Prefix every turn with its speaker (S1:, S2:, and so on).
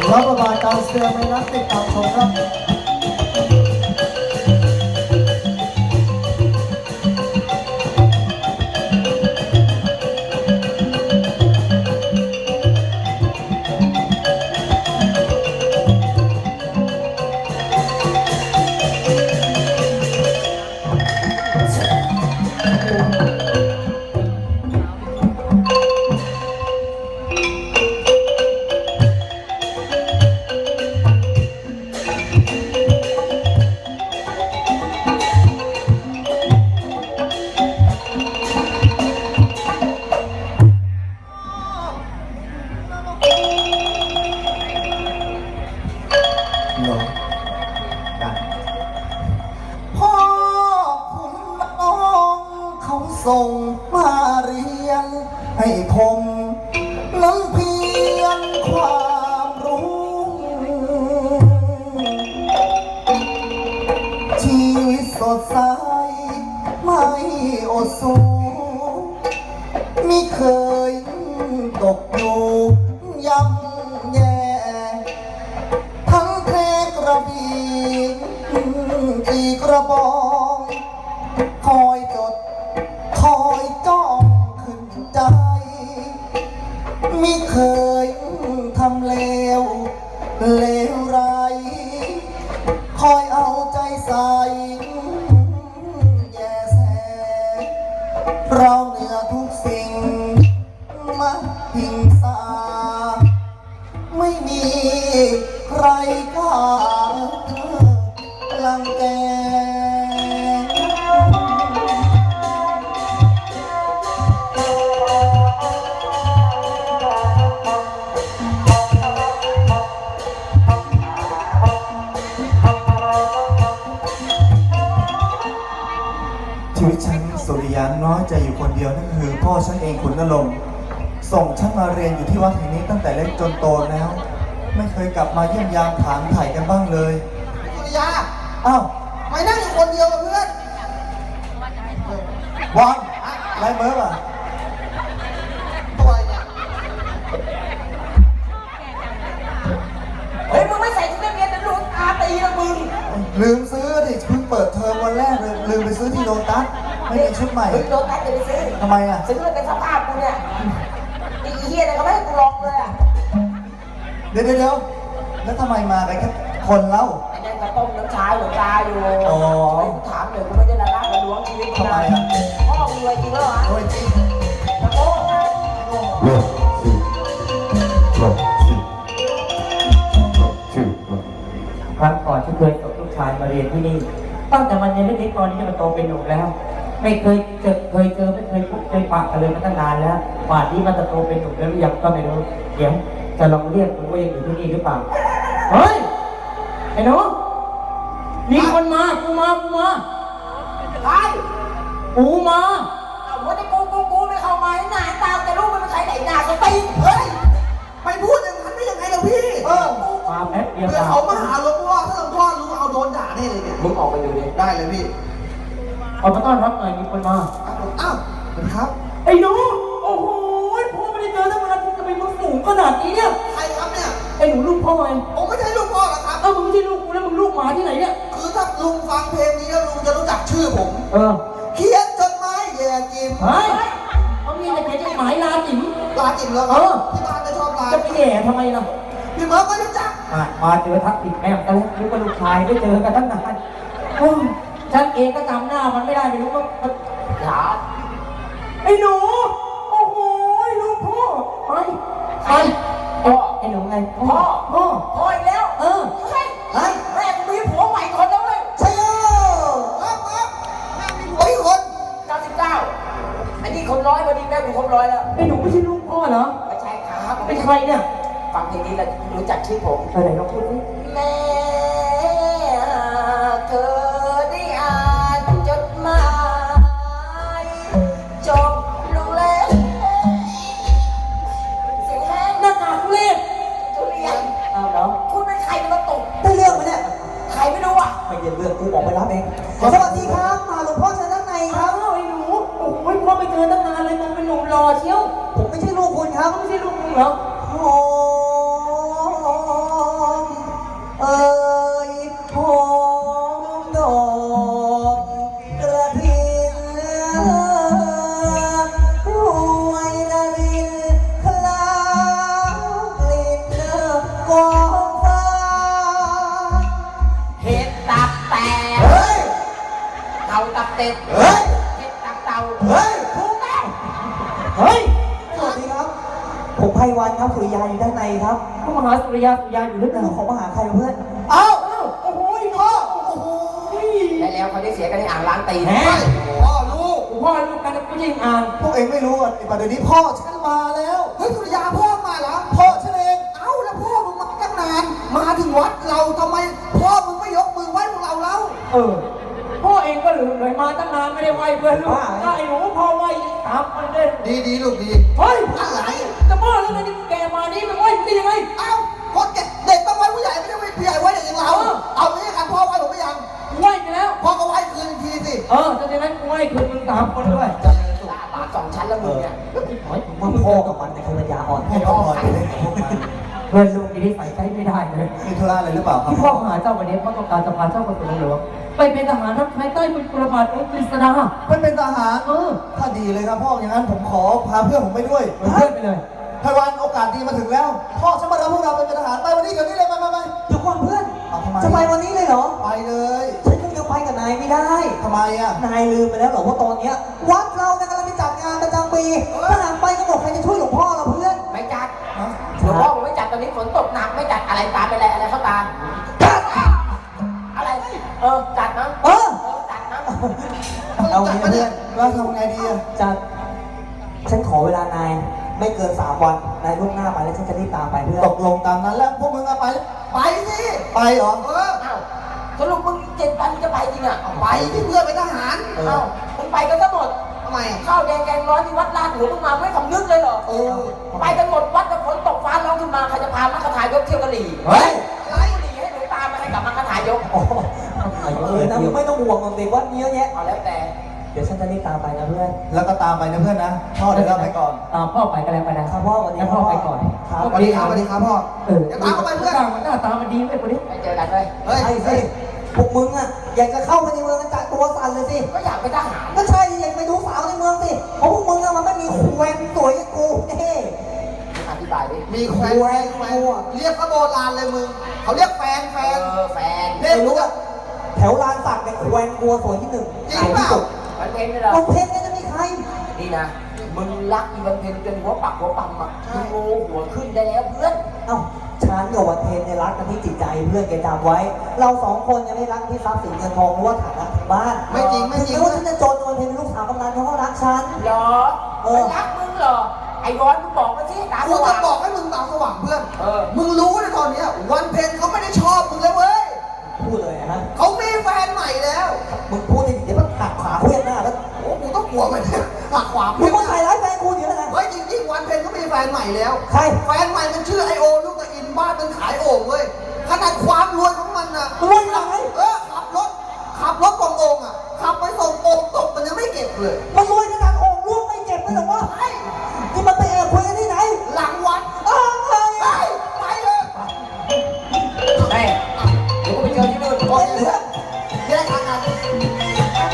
S1: แล้วประมาณการเสือไม่นักติดตามชมครับพ่อคุณน้องเขาส่งมาเรียนให้ผมนั้นเพียงความรู้ชีวิตสดใสไม่อดสูไม่เคยตกอยู่ย่ำแย่ทั้งเพลงกระบี่ตีกระบองคอยจดคอยจ้องขึ้นใจไม่เคยทำเลวไรคอยเอาใจใส่แย่แสเราเหนือทุกสิ่งมาหิงสาไม่มีใครกล้าลังแกชีวิตฉันสุริยันน้อยใจอยู่คนเดียวนั่นคือพ่อฉันเองขุนนรงค์ส่งฉันมาเรียนอยู่ที่วัดแห่งนี้ตั้งแต่เล็กจนโตแล้วไม่เคยกลับมาเยี่ยมยามถามถ่ายกันบ้างเลยสุริยาอ้าวไม่นั่งอยู่คนเดียวกับเพื่อนวางไรเมิร์ฟอ่ะตัวอะไรเนี่ย
S2: เฮ้ยมึงไม่ใส่ชุดนักเรียนนะลูกอาตีนะมึง
S1: ลืมซื้อดิเพิ่งเปิดเทอมวันแรกเลยลืมไปซื้อที่โลตัสไม่มีชุดใหม่
S2: โลตัสจะไปซื้อ
S1: ทำไมอ่ะ
S2: ซื้อเลยเป็นสภาพกูเนี่ยไอ้เหี้ยเนี่ยเขาไม่ให้กูลองเลยอ่ะ
S1: เดี๋ยวแล้วทำไมมากันแค่คนเล่า
S2: ไอ้นั่นกระต้มน้ำชาหลวงตาอยู่
S1: อ๋อ
S2: กูถามเดี๋ยวกูไม่ได้ละลาบละล้วงชีวิตกูนะพ่อมึงรวยจริงเหรอ
S1: รวยจริง
S2: ตะโกน
S3: ครั้งก่อนที่เคยส่งลูกชายมาเรียนที่นี่ตั้งแต่มันยังเล็กๆตอนนี้มันโตเป็นหนุ่มแล้วไม่เคยเจอไม่เคยพบเคยปะกันเลยมาตั้งนานแล้วป่านนี้มันจะโตเป็นหนุ่มแล้วหรือยังก็ไม่รู้เดี๋ยวจะลองเรียกดูว่ายังอยู่ที่นี่หรือเปล่าเฮ้ยไอ้หนูมีคนมากูมา
S2: ใคร
S3: กูมา
S2: เอาว่าแต่กูไม่เข้ามาหน้าตาแต่ลูกมันเป็นใครไหนหน้าก็ตีเฮ้ยไปพูดอย่างนั้นได้ยังไงล่ะพี่
S3: มาแป๊บเดียว
S2: เพื่อเขามาหาหลวงพ่อถ้าหลวงพ่อรู้เอาโดนด่าแน่เลยเนี่ย
S3: มึงออกไปดูดิ
S2: ได้เลยพี่
S3: ออกมาต้อนรับหน่อยมีคนมา
S2: อ้าวสวัสดีครับ
S3: ไอ้หนูโอ้โหพ่อไม่ได้เจอตั้งนานทำไมมึงสูงขนาดนี้เนี่ย
S2: ใครครับเนี่ย
S3: ไอ้หนูลูกพ่อไง
S2: ผมไม่ใช่ลูกพ่อหรอกครับ
S3: มึงไม่ใช่ลูกกูแล้วมึงลูกหมาที่ไหนเนี่ย
S2: คือถ้าลุงฟังเพลงนี้แล้วลุงจะรู้จักชื่อผมเขียนจดหมายแย่จิ๋ม
S3: เฮ้ยเขามีแต่เขียนจดหมายลาจิ๋ม
S2: เหรอที่บ้านจะชอบลา
S3: จะไปแย่ทำไมล่ะ
S2: พี่เมิร์ฟก็รู้จัก
S3: มาเจอทักติดแม่กันแล้วนึกว่าลูกชายได้เจอกันตั้งนานฉันเองก็จำหน้ามันไม่ได้ไม่รู้ว่าหาไอ้หนูโอ้โหลูกพ่อไปพ่อไอ้หนูไงพ่อ
S2: อีกแล้วเฮ้ยแม่กูมีผัวใหม่คนแล้วเว้ย
S1: ใช่
S2: ครับแม่มีผัวอีกคน99อันนี้คนร้อยพอดีแม่กูครบ100แล้ว
S3: ไอ้หนูไม่ใช่ลูกพ่อเหรอ
S2: ไม่ใช่ครับ
S3: เป็นใครเนี่ย
S2: ฟังเพลงนี้แล้วรู้จักชื่อผม
S3: ไหนลองพูดดิ
S2: แม่เธอได้อ่านจดหมายจบลงแล้วเสียงแห้ง
S3: หน้ากากทุเรศ
S2: ทุเรียน
S3: เหรอ
S2: คุณเป็นใครมาตก
S1: ได้เรื่องไหมเนี่ย
S2: ใครไม่รู้อ่ะ
S1: ไม่เย็นเรื่องกูออกไปรับเองสวัสดีครับมาหลวงพ่อเชิญด้านในครับ
S3: ไอ้หนูโอ้ยพ่อไปเจอตั้งนานเลยมึงเป็นหนุ่มหล่อเชียว
S1: ผมไม่ใช่ลูกคุณครับ
S3: ไม่ใช่ลูกมึงเหรอ
S1: โอ้
S3: เฮ้ย
S1: สวัสดีครับ ผมไพวันครับสุริยาอยู่ด้านในครับ
S3: พวกมหาสุริยาอยู่หรือเปล่า
S1: ของมาหาใครเพื่อนเอ้าโอ้โหพ่อโอ้โห
S2: และแล้วเขาได้เสียกันในอ่างล้างตีน
S3: แหม
S1: พ่อลูก
S3: พ่อลูกกันก็ยิงอ่าง
S1: พวกเองไม่รู้อ่ะไอ้ประเดี๋ยวนี้พ่อฉันมาแล้วเฮ้ยสุริยาพ่อมาเหรอพ่อฉันเองเอ้าแล้วพ่อมึงมาตั้งนานมาถึงวัดเราทำไมพ่อมึงไม่ยกมือไหว้พวกเราแล้ว
S3: พ่อเองก็ลืมเลยมาตั้งนานไม่ได้ไหวเพื่อนลูกได้หนูพ่อไหวตามมันเด่น
S1: ดีลูกดี
S3: เฮ้ย
S1: อะไร
S3: จะบ้าแล้วไงนี่แกมานี่มันไหวได้ยังไง
S1: เอ้าคนแก่เด็กต้องไหว้ผู้ใหญ่ไม่ใช่ไหว้ผู้ใหญ่ไหว้เด็กอย่างเราเอางี้กันพ่อไหว้ผมไม่ยัง
S3: ไหวไปแล้ว
S1: พ่อก็ไหว้คืนทีสิ
S3: ถ้าอย่างนั้นไหวคืนมึง3 คนด้วย
S2: หน้าปาก2 ชั้นแล้วมึงเนี่ย
S1: ว่าพ่อกับมันในคนปัญญาอ่อนให้พ่อพอไปเลยพวกมัน
S3: เพื่อนลูกนี่ใส่ใจไม่ได้เลย
S1: มีธุระอะไรหรือเปล่าครับ
S3: ที่พ่อหาเจ้าวันนี้เพราะต้องการจะพาเจ้าไปสู่หลวงไปเป็นทหารรับใช้ใต้เป็นประมาทองค์กฤษณา
S1: มันเป็นทหารถ้าดีเลยครับพ่ออย่างนั้นผมขอพาเพื่อนผมไปด้วย
S3: เพื่อนไปเลย
S1: ไพวันโอกาสดีมาถึงแล้ว พ่อฉันมารับพวกเราเป็นทหารไปวันนี้เดี๋ยวนี้เลยไป
S4: เดี๋ยวก่อนเพื่อน
S1: ทำไม
S4: จะไปวันนี้เลยเหรอ
S1: ไปเลย
S4: ฉันคงจะไปกับนายไม่ได้
S1: ทำไมอ่ะ
S4: นายลืมไปแล้วเหรอว่าตอนเนี้ยวัดเราเนี่ยกำลังจะจัดงานประจำปีถ้าหากไปก็บอกใครจะช่วยหลวงพ่อเราเพื่อน
S2: ไม่จัดหลวงพ่อผมไม่จัดตอนนี้ฝนตกหนักไม่จัดอะไรตามไปอะไรเข้าตาอะไรจัดนะ
S4: เออ
S2: จัดนะ
S4: เอางี้นะเพื่อน
S1: แล้วทำไงดีอ่ะ
S4: จัดฉันขอเวลานายไม่เกิน3 วันนายล่วงหน้าไปแล้วฉันจะรีบตามไปเพื่อน
S1: ตกลงตามนั้นแล้วพวกมึงอะไป ไปสิไปเหรอ
S2: เอ้าสรุปมึง7 วันจะไปจริงอ่ะ
S1: ไปที่เพื่อนเป็นทหาร
S2: เอ้ามึงไปกันทั้งหมด
S1: ทำไมอ่ะ
S2: ข้าวแดงแกงร้อนที่วัดลาดหลวงมึงมาไม่สำนึกเลยเหรอ ไปกันหมดวัดแล้วฝนตกฟ้าร้องขึ้นมาใครจะพามัคคทายกเที่ยวกะหรี่
S3: เฮ้ย
S2: ไล่กะหรี่ให้หนูตามมาให้กับมัคคทายก
S4: โอ้โหนะมึงไม่ต้องห่วงหรอกเด็กวัดมีเยอะแยะ
S2: เอาแล้วแต่
S4: เดี๋ยวฉันจะรีบตามไปนะเพื่อน
S1: แล้วก็ตามไปนะเพื่อนนะพ่อเดี๋ยวเราไปก่อน
S3: ตามพ่อไปก็แล้วไปนะครับ
S4: พ่อสวัสดี
S3: งั้น
S4: ครับ
S3: พ่อไปก่อน
S4: ครับ
S1: สวัสดีครับสวัสดีครับพ่อ
S3: เดี๋ยวตามเข้าไปเพื่อนหน้าตามันดีไหมคนนี้
S2: ไปเจอกันเลย
S1: เฮ้ย
S4: ใช่สิพวกมึงอ่ะอยากจะเข้าไปในเมืองกันจัดตัวสั่นเลยสิ
S2: ก็อยากเป็นทหาร
S4: ก็ใช่อยากไปดูสาวในเมืองสิเพราะพวกมึงอะมันไม่มีแหวนสวยอย่างกูเฮ้
S2: อธิบายดิ
S1: มีแฟนเรียกพระโบราณเลยมึงเขาเรียกแฟน
S2: แฟน
S1: เรีย
S4: ไม่
S1: ก
S4: รู้
S1: รู้
S4: อะแถวลานสักเนี่ยแหวนกูสวยที่หนึ่ง
S1: จริงเปล่า
S2: มันเป็นเลยเหรอ
S4: วันเพ็ญเนี่ยจะมีใคร
S2: นี่นะ มึงรักอีวันเพ็ญจนหัวปักหัวปั๊มอ่ะมึงโง่หัวขึ้นได้แล้วเพื่อน
S4: เอ้าฉันกับวันเพ็ญเนี่ยรักกันที่จิตใจเพื่อนแกจำไว้ เรา2 คนยังไม่รักที่ทรัพย์สินเงินทองหรือว่าฐานะทางบ้าน
S1: ไม่จริงไม่จริง
S4: ถึงแม้ว่าฉันจะจนวันเพ็ญเป็นลูกสาวกำนันเขาก็รักฉัน
S2: เหรอมันรักมึงเหรอ ไอ้ร้อนมึงบอกมาสิตา
S1: กู
S2: ส
S1: จะ
S2: ว่าง
S1: บอกให้มึงตาสว่างเพื่อน
S2: มึ
S1: มึงรู้นะตอนเนี้ยวันเพ็ญเขาไม่ได้ชอบมึงแล้วเว้ย
S4: พูดเลยนะ
S1: เขามีแฟนใหม่แล้ว
S4: มึงพูดดิเดี๋ยวมันหักขาเพื่อนหน้าแล้ว
S1: โอ้กูต้องกลัวมันเนี่ยหักขวา
S4: มึงมาใส่ร้ายแฟนกูเดี๋ยวนะ
S1: เฮ้ยจริงๆวันเพ็ญเขามีแฟนใหม่แล้ว
S4: ใคร
S1: แฟนใหม่มันชื่อไอโอลูกตะอินบ้านมันขายโอ่งเว้ยขนาดความรวยของมันน่ะ
S4: รวยยังไง
S1: ขับรถกองโอ่งอ่ะขับไปส่งโอ่งตกมันยังไม่เก็บเลย
S4: มันรวย